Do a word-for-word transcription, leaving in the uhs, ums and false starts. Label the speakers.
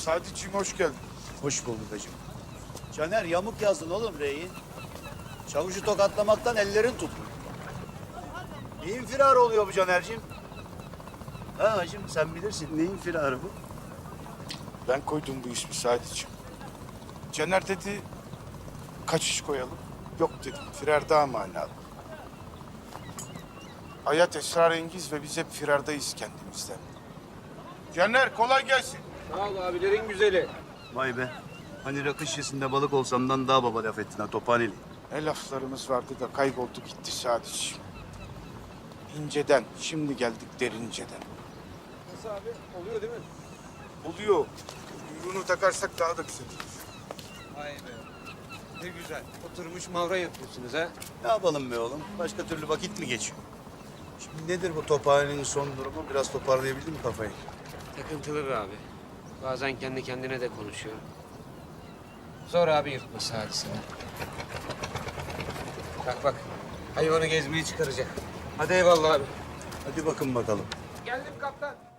Speaker 1: Sadiciğim hoş geldin.
Speaker 2: Hoş bulduk hacım. Caner yamuk yazdın oğlum reyi. Çavuşu tokatlamaktan ellerin tutmuyor. Neyin firarı oluyor bu Caner'cim? Ha hacım sen bilirsin neyin firarı bu?
Speaker 1: Ben koydum bu ismi Sadiciğim. Caner dedi, kaç iş koyalım? Yok dedim, firar daha manalı. Hayat esrarengiz ve biz hep firardayız kendimizden. Caner kolay gelsin.
Speaker 3: Sağ ol abilerin güzeli.
Speaker 2: Vay be. Hani rakı şişesinde balık olsamdan daha baba laf ettin ha tophaneli.
Speaker 1: Ne laflarımız vardı da kayboldu gitti Sadiciğim. İnceden, şimdi geldik derinceden.
Speaker 3: Nasıl abi? Oluyor değil mi?
Speaker 1: Oluyor. Kuyruğunu takarsak daha da güzel olur.
Speaker 3: Vay be. Ne güzel. Oturmuş mavra yapıyorsunuz ha.
Speaker 2: Ne yapalım be oğlum? Başka türlü vakit mi geçiyor? Şimdi nedir bu tophanenin son durumu? Biraz toparlayabildin mi kafayı?
Speaker 3: Takıntılı be abi. Bazen kendi kendine de konuşuyor. Zor abi yırtması hadisini. Bak bak. Hayvanı gezmeye çıkaracak. Hadi eyvallah abi.
Speaker 2: Hadi bakın bakalım.
Speaker 3: Geldim kaptan.